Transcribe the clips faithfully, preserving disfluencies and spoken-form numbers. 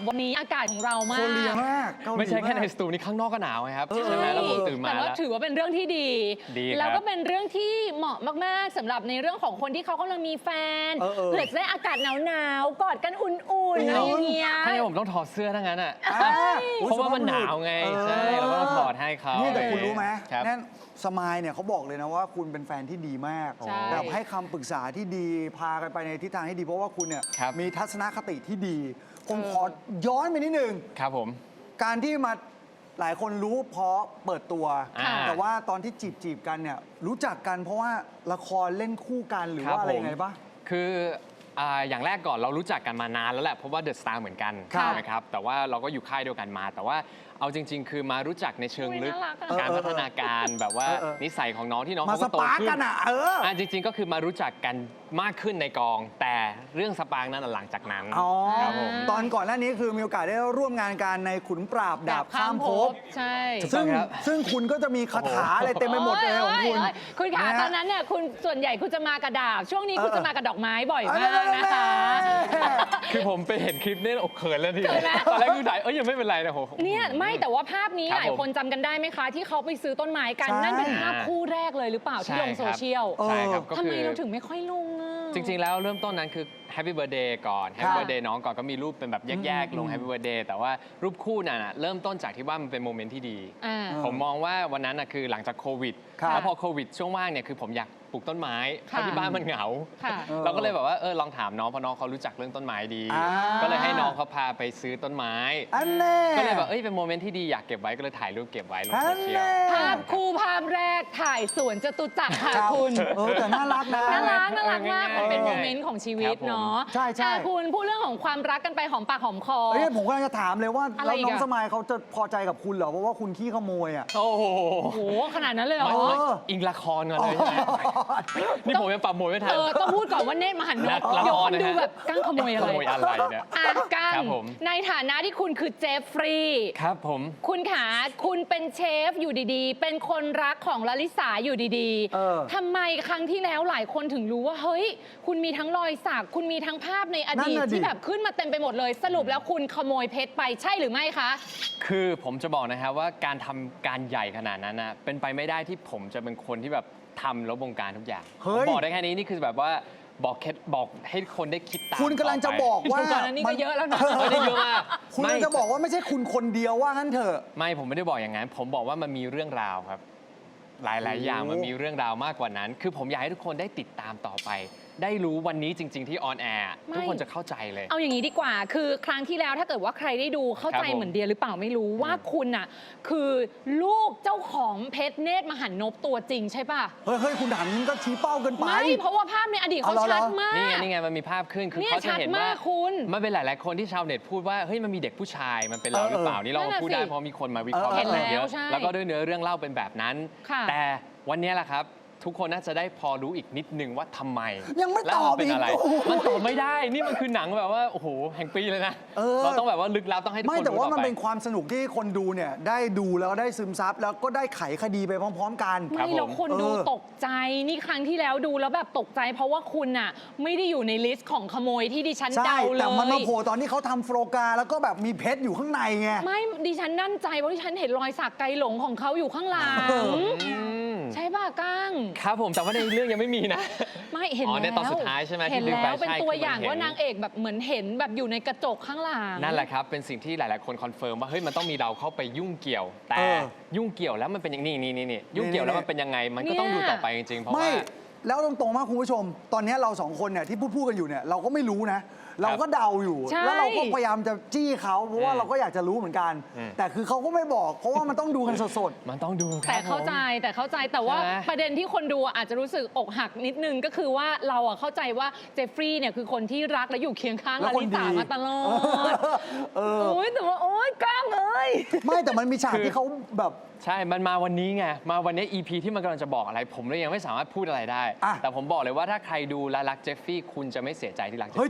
วันนี้อากาศของเรามากโคเรียมากไม่ใช่แค่ในสตูนี่ข้างนอกก็หนาวครับใช่ไหมแล้วผมตื่นมาแต่ว่าถือว่าเป็นเรื่องที่ดี แล้วก็เป็นเรื่องที่เหมาะมากๆสำหรับในเรื่องของคนที่เขากำลังมีแฟนเผื่อจะได้อากาศหนาวๆกอดกันอุ่นๆอะไรอย่างเงี้ยถ้าอย่างผมต้องถอดเสื้อทั้งนั้นอ่ะเพราะว่ามันหนาวไงใช่เราก็ต้องถอดให้เขานี่แต่คุณรู้ไหมนั่นสมายเนี่ยเขาบอกเลยนะว่าคุณเป็นแฟนที่ดีมากแบบให้คำปรึกษาที่ดีพากันไปในทิศทางที่ดีเพราะว่าคุณเนี่ยมีทัศนคติที่ดีผมขอย้อนไปนิดนึงครับผมการที่มาหลายคนรู้เพราะเปิดตัวแต่ว่าตอนที่จีบจีบกันเนี่ยรู้จักกันเพราะว่าละครเล่นคู่กันหรือว่าอะไรยังไงปะคืออย่างแรกก่อนเรารู้จักกันมานานแล้วแหละเพราะว่าเดอะสตาร์เหมือนกันนะครับแต่ว่าเราก็อยู่ค่ายเดียวกันมาแต่ว่าเอาจริงๆคือมารู้จักในเชิงลึกการพัฒนาการแบบว่านิสัยของน้องที่น้องเขาโตขึ้นอ่ะเออจริงๆก็คือมารู้จักกันมากขึ้นในกองแต่เรื่องสปางนั้นหลังจากนั้นครับผมตอนก่อนหน้านี้คือมีโอกาสได้ร่วมงานกันในขุนปราบดาบข้ามภพใช่ซึ่งซึ่งคุณก็จะมีคาถาอะไรเต็มไปหมดเลยของคุณคุณขาตอนนั้นเนี่ยคุณส่วนใหญ่คุณจะมากระดาบช่วงนี้คุณจะมากระดอกไม้บ่อยมากนะคะคือผมไปเห็นคลิปนี่อกเขินแล้วทีตอนแรกคือถ่ายเอ้ยยังไม่เป็นไรนะโหเนี่ยไม่แต่ว่าภาพนี้หลายคนจำกันได้ไหมคะที่เขาไปซื้อต้นไม้กันนั่นเป็นภาพคู่แรกเลยหรือเปล่าที่ลงโซเชียลใช่ครับทำไมเราถึงไม่ค่อยลงจริงๆแล้วเริ่มต้นนั้นคือ Happy Birthday ก่อน Happy Birthday น้องก่อนก็มีรูปเป็นแบบแยกๆลง Happy Birthday แต่ว่ารูปคู่น่ะเริ่มต้นจากที่ว่ามันเป็นโมเมนต์ที่ดีผมมองว่าวันนั้นคือหลังจากโควิดแล้วพอโควิดช่วงว่างเนี่ยคือผมอยากปลูกต้นไม้เพราะที่บ้านมันเหงาเราก็เลยแบบว่าเออลองถามน้องเพราะน้องเขารู้จักเรื่องต้นไม้ดีก็เลยให้น้องเขาพาไปซื้อต้นไม้ก็เลยแบบเอ้ยเป็นโมเมนต์ที่ดีอยากเก็บไว้ก็เลยถ่ายรูปเก็บไว้ลงโซเชียลภาพคู่ภาพแรกถ่ายสวนจตุจักรค่ะคุณเออแต่น่ารักนะน่ารักน่ารักมากมันเป็นโมเมนต์ของชีวิตเนาะใช่ใช่คุณพูดเรื่องของความรักกันไปหอมปากหอมคอเฮ้ยผมกำลังจะถามเลยว่าแล้วน้องสมัยเขาจะพอใจกับคุณเหรอเพราะว่าคุณขี้ขโมยอ่ะโอ้โหขนาดนั้นเลยเหรออิงละครกันเลยนี่ผมยังปรับโมยไม่ทันเออต้องพูดก่อนว่าเนตรมหันนกเดี๋ยวคนดูแบบกั้งขโมยอะไรขโมยอะไรเนี่ยอ่ะกั้งในฐานะที่คุณคือเจฟฟรีย์ครับผมคุณขาคุณเป็นเชฟอยู่ดีๆเป็นคนรักของลลิสาอยู่ดีๆทำไมครั้งที่แล้วหลายคนถึงรู้ว่าเฮ้ยคุณมีทั้งรอยสักคุณมีทั้งภาพในอดีตที่แบบขึ้นมาเต็มไปหมดเลยสรุปแล้วคุณขโมยเพชรไปใช่หรือไม่คะคือผมจะบอกนะครับว่าการทำการใหญ่ขนาดนั้นนะเป็นไปไม่ได้ที่ผมจะเป็นคนที่แบบทำแล้วบงการทุกอย่างบอกได้แค่นี้นี่คือแบบว่าบอกเคล็ดบอกให้คนได้คิดตามคุณกำลังจะบอกว่าตอนนั้นนี่ก็เยอะแล้วนะไม่ได้เยอะมากคุณกำลังจะบอกว่าไม่ใช่คุณคนเดียวว่างั้นเถอะไม่ผมไม่ได้บอกอย่างนั้นผมบอกว่ามันมีเรื่องราวครับหลายๆอย่างมันมีเรื่องราวมากกว่านั้นคือผมอยากให้ทุกคนได้ติดตามต่อไปได้รู้วันนี้จริงๆที่ออนแอร์ทุกคนจะเข้าใจเลยเอาอย่างนี้ดีกว่าคือครั้งที่แล้วถ้าเกิดว่าใครได้ดูเข้าใจเหมือนเดียหรือเปล่าไม่รู้ว่าคุณน่ะคือลูกเจ้าของเพชรเนตรมหันนพตัวจริงใช่ป่ะเฮ้ยเฮ้ยคุณถามนี้ก็ชี้เป้าเกินไปไม่เพราะว่าภาพในอดีตเขาชัดมากนี่ไงนี่ไงมันมีภาพขึ้นคือเขาจะเห็นว่ามันเป็นหลายๆคนที่ชาวเน็ตพูดว่าเฮ้ยมันมีเด็กผู้ชายมันเป็นเราหรือเปล่านี่เราพูดได้เพราะมีคนมาวิเคราะห์กันเยอะแล้วก็ด้วยเนื้อเรื่องเล่าเป็นแบบนั้นแต่วันนี้แหละครับทุกคนน่าจะได้พอรู้อีกนิดนึงว่าทำไมยังไม่ตอบเป็นอะไรมันตอบไม่ได้นี่มันคือหนังแบบว่าโอ้โหแห่งปีเลยนะเราต้องแบบว่าลึกลับต้องให้ทุกคนรู้ไม่แต่ว่ามันเป็นความสนุกที่คนดูเนี่ยได้ดูแล้วได้ซึมซับแล้วก็ได้ไขคดีไปพร้อมๆกันไม่แล้วคนดูตกใจนี่ครั้งที่แล้วดูแล้วแบบตกใจเพราะว่าคุณอ่ะไม่ได้อยู่ในลิสต์ของขโมยที่ดิฉันเดาเลยแต่มันมาโผล่ตอนที่เขาทำโฟกาแล้วก็แบบมีเพชรอยู่ข้างในไงไม่ดิฉันนั่นใจเพราะดิฉันเห็นรอยสักไกลหลงของเขาอยู่ข้างหลังใช่ป่ะก้างครับผมแต่ว่าในเรื่องยังไม่มีนะไม่เห็นแล้วในตอนสุดท้ายใช่ไหมเห็นแล้วเป็นตัวอย่างว่านางเอกแบบเหมือนเห็นแบบอยู่ในกระจกข้างหลังนั่นแหละครับเป็นสิ่งที่หลายๆคนคอนเฟิร์มว่าเฮ้ยมันต้องมีเราเข้าไปยุ่งเกี่ยวแต่ยุ่งเกี่ยวแล้วมันเป็นอย่างนี้นี่นี่ยุ่งเกี่ยวแล้วมันเป็นยังไงมันก็ต้องดูต่อไปจริงๆเพราะว่าแล้วตรงๆมากคุณผู้ชมตอนนี้เราสองคนเนี่ยที่พูดพูดกันอยู่เนี่ยเราก็ไม่รู้นะเราก็เดาอยู่แล้วเราก็พยายามจะจี้เขาเพราะว่าเราก็อยากจะรู้เหมือนกันแต่คือเขาก็ไม่บอกเพราะว่ามันต้องดูกันสดๆมันต้องดูแต่เข้าใจแต่เข้าใจแต่ว่าประเด็นที่คนดูอาจจะรู้สึกอกหักนิดนึงก็คือว่าเราอะเข้าใจว่าเจฟฟรีย์เนี่ยคือคนที่รักและอยู่เคียงข้างลลิสามาตลอดโอ้ยแต่ว่าโอ๊ยก้างเอ้ยไม่แต่มันมีฉากที่เขาแบบใช่มันมาวันนี้ไงมาวันนี้ อี พี ที่มันกำลังจะบอกอะไรผมเลยยังไม่สามารถพูดอะไรได้แต่ผมบอกเลยว่าถ้าใครดูและรักเจฟฟี่คุณจะไม่เสียใจที่รักเจฟฟี่เฮ้ยจริงป่ะ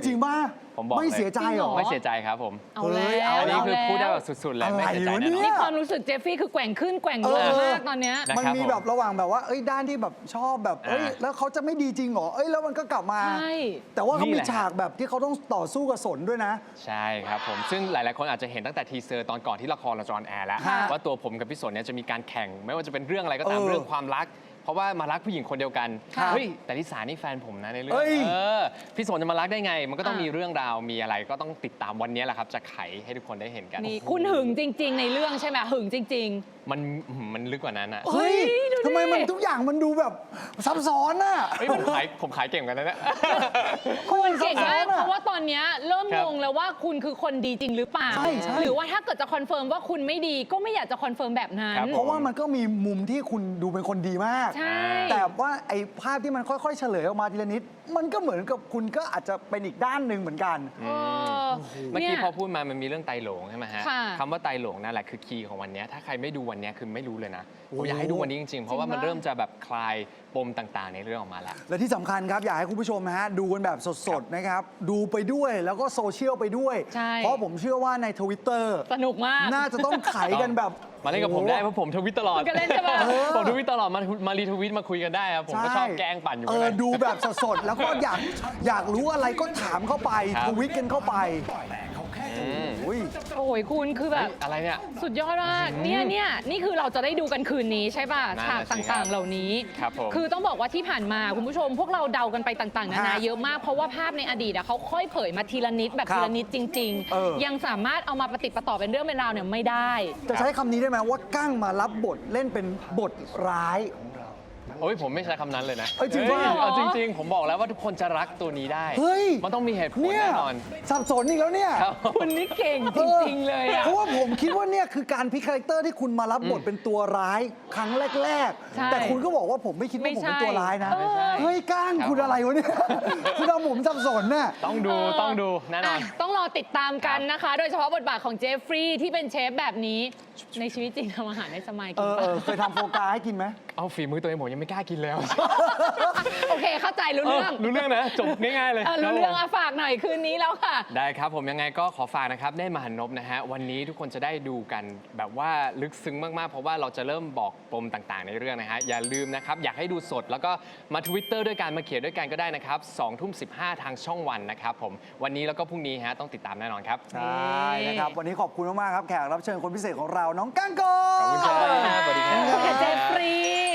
ผมบอกไม่เลยเสียใจเหรอไม่เสียใจครับผมเอาแล้วเฮ้ยเอาอันนี้เอาคือแล้วพูดได้แบบสุดๆเลยไม่เสียใจอะไรวะแน่นเนี่อนนี่ยความรู้สึกเจฟฟี่คือแกว่งขึ้นแกว่งลงเออมากตอนเนี้ยนะมันครับมีผมแบบระหว่างแบบว่าเอ้ยด้านที่แบบชอบแบบเอ้ยอ่าแล้วเขาจะไม่ดีจริงเหรอเอ้ยแล้วมันก็กลับมาใช่แต่ว่าเขานี่มีแหละฉากแบบที่เขาต้องต่อสู้กับสนด้วยนะใช่ครับผมซึ่งหลาย ๆ คนอาจจะเห็นตั้งแต่ทีเซอร์ตอนก่อนที่ละครเราจะออนแอร์แล้วค่ะว่าตัวผมกับพี่สนเนี่ยจะมีการแข่ง ไม่ว่าจะเป็นเรื่องอะไรก็ตามเออเรื่องความรัก เพราะว่ามารักผู้หญิงคนเดียวกันครับเฮ้ยแต่ลิสานี่แฟนผมนะในเรื่อเอ้งยเออพี่สนจะมารักได้ไง มันก็ต้องอ่ะมีเรื่องราวมีอะไรก็ต้องติดตามวันนี้แหละครับจะไขให้ทุกคนได้เห็นกันนี่คุณหึงจริง ๆ ในเรื่องใช่ไหมหึงจริงมันมันลึกกว่านั้นอะเฮ้ยเฮ้ยดูดิทำไมมันทุกอย่างมันดูแบบซับซ้อนน่ะเฮ้ยผมขายผมขายเก่งกันนะเนี่ยๆ คุณเก่งมากซับซ้อนอะเพราะว่าตอนเนี้ยเริ่มครังบงแล้วว่าคุณคือคนดีจริงหรือเปล่าใช่ใช่หรือว่าถ้าเกิดจะคอนเฟิร์มว่าคุณไม่ดีก็ไม่อยากจะคอนเฟิร์มแบบนั้นครับเพราะว่ามันก็มีมุมที่คุณดูเป็นคนดีมากใช่แต่ว่าไอ้ภาพที่มันค่อยๆ เฉลยออกมาทีละนิด มันก็เหมือนกับคุณก็อาจจะเป็นอีกด้านหนึ่งเหมือนกันเออเมื่อกี้นี่ยพอพูดมามันมีเรื่องไตหลงใช่ไหมฮะค่ะคำว่าไตหลงนั่นแหละคือคีย์ของวันนี้ถ้าใครไม่ดูวันนี้คือไม่รู้เลยนะโอ้ผมอยากให้ดูวันนี้จริงๆ เพราะว่ามันจริงปะเริ่มจะแบบคลายปมต่างๆ ในเรื่องออกมาแล้วและที่สำคัญครับ อยากให้คุณผู้ชมนะฮะดูกันแบบสดๆนะครับ ดูไปด้วยแล้วก็โซเชียลไปด้วยใช่เพราะผมเชื่อว่าในทวิตเตอร์สนุกมากน่าจะต้องไขกันแบบมาเล่นกับผมได้เพราะผมทวิตตลอดคุณก็เล่นใช่ปะเออผมทวิตตลอดมามารีทวิตมาคุยกันได้ครับผมก็ชอบแกล้งปั่นอยู่เอข้างอในดูแบบสดๆ แล้วก็อยากอยากรู้อะไรก็ถามเข้าไปครับทวิตกันเข้าไปอืมอุ้ยโอ้ยคุณคือแบเฮ้บยอะไรเนี่ยสุดยอดมากเนี่ยเนี่ยนี่คือเราจะได้ดูกันคืนนี้ใช่ป่ะนั่นฉากน่ะสิครับต่างๆ เหล่านี้ครับผมคือต้องบอกว่าที่ผ่านมาคุณผู้ชม พวกเราเดากันไปต่างๆนานาฮะเยอะมากเพราะว่าภาพในอดีตอะเขาค่อยเผยมาทีละนิดแบบครับทีละนิดจริงเออๆ ยังสามารถเอามาปฏิดประต่อเป็นเรื่องเป็นราวเนี่ยไม่ได้จะใช้คำนี้ได้ไหมว่ากั้งมารับบทเล่นเป็นบทร้ายโอ้ยผมไม่ใช้คำนั้นเลยนะเอ้ยจริงฮ้ปะเอาจริง ๆ ผมบอกแล้วว่าทุกคนจะรักตัวนี้ได้เฮ้ยมันต้องมีเหตุผลเนี่ยแน่นอนสับสนอีกแล้วเนี่ยครับคุณนี่เก่งจริง ๆ เลยอะเพราะว่าผมคิดว่าเนี่ยคือการพลิกคาแรคเตอร์ที่คุณมารับบทเป็นตัวร้ายครั้งแรกใช่ๆ แต่คุณก็บอกว่าผมไม่คิดว่าไม่ผมใช่เป็นตัวร้ายนะไม่ใช่เฮ้ยก้างครับคุณอะไรวะเนี่ย คุณเอาผมสับสนน่ะต้องดูต้องดูแน่นอนะต้องรอติดตามกันนะคะ โดยเฉพาะบทบาทของเจฟฟรีย์ที่เป็นเชฟแบบนี้ ในชีวิตจริงทำอาหารให้สมัยเอกินอปะเออเคยทำโฟกาให้กินไหมเอาฝีมือตัวเองผมยังไม่กล้ากินแล้วโอเคเข้าใจรู้เรื่องรู้เรื่องนะจบง่ายๆเลยเออรู้เรื่องอะฝากหน่อยคืนนี้แล้วค่ะได้ครับผมยังไงก็ขอฝากนะครับได้มหันนบนะฮะวันนี้ทุกคนจะได้ดูกันแบบว่าลึกซึ้งมากๆ เพราะว่าเราจะเริ่มบอกปมต่างๆ ในเรื่องนะฮะอย่าลืมนะครับอยากให้ดูสดแล้วก็มา Twitter ด้วยกันมาเขียนด้วยกันก็ได้นะครับสองทุ่มสิบห้าทางช่องวันนะครับผมวันนี้แล้วก็พรุ่งนี้ฮะต้องติดตามแน่นอนครับใช่นะครับ วันนี้ขอบคุณมากๆครับ แขกรับเชิญคนพิเศษของเราน้องก้างกอขอบคุณครับสวัสดีครับเจฟฟรีย์